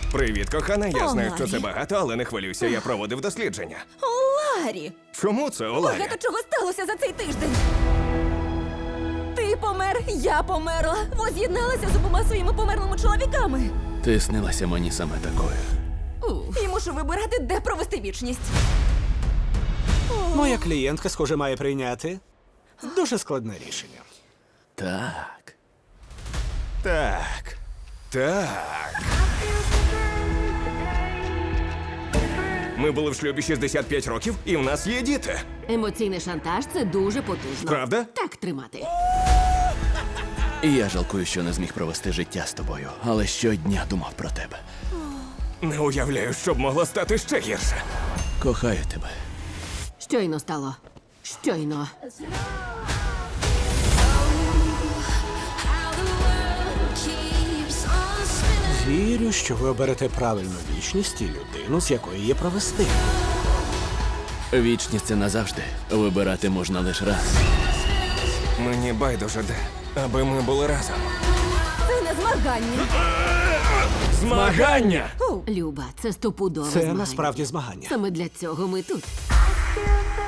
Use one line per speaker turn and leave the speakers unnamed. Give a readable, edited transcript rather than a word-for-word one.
Привіт, кохана. Я
О,
знаю, що
Ларі.
це багато, але не хвилюйся, я проводив дослідження.
Ларі,
Чому це, Оларі?
багато чого сталося за цей тиждень. Ти помер, я померла. Воз'єдналася з обома своїми померлими чоловіками.
Ти снилася мені саме такою.
І мушу вибирати, де провести вічність.
Моя клієнтка, схоже, має прийняти дуже складне рішення.
Так.
Так. Так. Ми були в шлюбі 65 років, і в нас є діти.
Емоційний шантаж це дуже потужно.
Правда?
Так тримати.
І я жалкую, що не зміг провести життя з тобою, але щодня думав про тебе.
Не уявляю, що б могло стати ще гірше.
Кохаю тебе.
Щойно стало. Щойно.
Вірю, що ви оберете правильну вічність і людину, з якої її провести.
Вічність це назавжди. Вибирати можна лише раз.
Мені байдуже де, аби ми були разом.
Це не змагання.
Змагання!
Люба, це стопудове
Це
змагання.
насправді змагання.
Саме для цього ми тут.